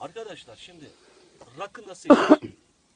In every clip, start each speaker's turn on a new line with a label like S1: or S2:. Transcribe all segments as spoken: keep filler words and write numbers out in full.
S1: Arkadaşlar şimdi rakı nasıl içilir?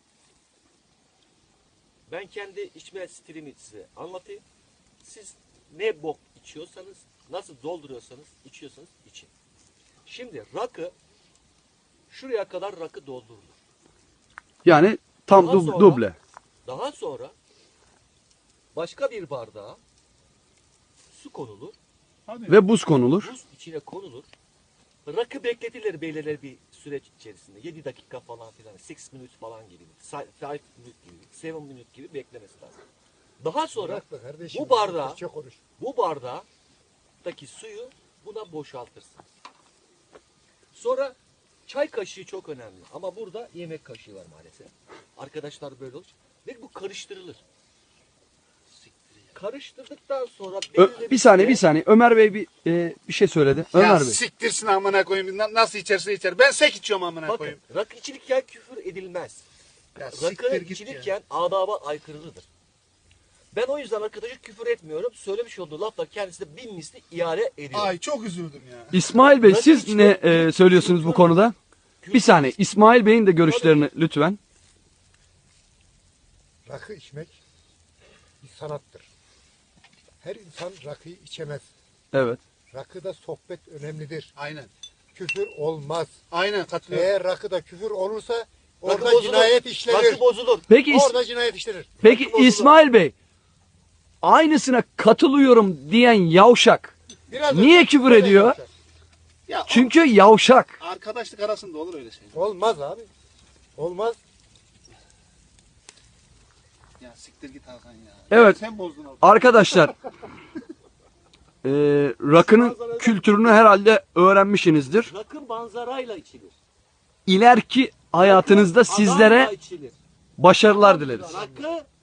S1: Ben kendi içme stilimi size anlatayım. Siz ne bok içiyorsanız, nasıl dolduruyorsanız, içiyorsanız için. Şimdi rakı, şuraya kadar rakı doldurulur.
S2: Yani tam
S1: Daha
S2: dub-
S1: sonra-
S2: duble.
S1: Daha sonra başka bir bardağa su konulur.
S2: Ve buz konulur.
S1: Buz içine konulur. Rakı bekletilir belirli bir süreç içerisinde. yedi dakika falan filan. altı minut falan gibi. beş minut gibi. yedi minut gibi beklemesi lazım. Daha sonra
S3: Bırak be kardeşim,
S1: bu bardağı
S3: Türkçe konuş.
S1: bu bardaktaki suyu buna boşaltırsın. Sonra çay kaşığı çok önemli. Ama burada yemek kaşığı var maalesef. Arkadaşlar böyle olur. Ve bu karıştırılır. Karıştırdıktan sonra
S2: Ö-
S1: belirli
S2: bir saniye
S1: süre-
S2: bir saniye. Ömer Bey bir e, bir şey söyledi. Ömer
S4: Ya
S2: Bey.
S4: siktirsin amına koyayım. Na- Nasıl içerse içer. Ben sek içiyorum amına
S1: Bakın
S4: koyayım.
S1: rakı içilirken küfür edilmez.
S4: Ya
S1: Rakı
S4: siktir git ya.
S1: içilirken adaba aykırıdır. Ben o yüzden arkadaşa küfür etmiyorum. Söylemiş olduğu lafla kendisine bin misli iade ediyorum.
S4: Ay çok üzüldüm ya.
S2: İsmail Bey
S1: Rakı
S2: siz
S1: içmek-
S2: ne e, söylüyorsunuz bu konuda? Bir saniye. İsmail Bey'in de görüşlerini lütfen.
S3: Rakı içmek bir sanattır. Her insan rakıyı içemez.
S2: Evet.
S3: Rakıda sohbet önemlidir.
S4: Aynen.
S3: Küfür olmaz.
S4: Aynen katılıyorum.
S3: Eğer rakıda küfür olursa
S1: Rakı
S3: orada
S1: bozulur.
S3: cinayet işlenir.
S1: Rakı bozulur.
S2: Peki İs-
S3: Orada cinayet işlenir.
S2: peki
S1: rakı bozulur.
S2: İsmail Bey aynısına katılıyorum diyen yavşak
S3: Biraz
S2: niye
S3: önce-
S2: küfür ediyor?
S4: Ya
S2: Çünkü yavşak.
S4: o- arkadaşlık arasında olur öyle şey.
S3: Olmaz abi. Olmaz.
S4: Ya siktir git Hakan ya.
S2: Evet.
S4: Sen bozdun orada.
S2: Arkadaşlar e, rakının kültürünü herhalde öğrenmişsinizdir.
S1: Rakı manzarayla içilir.
S2: İleriki hayatınızda
S1: Rakı
S2: sizlere
S1: adamla içilir.
S2: başarılar dileriz.
S1: Rakı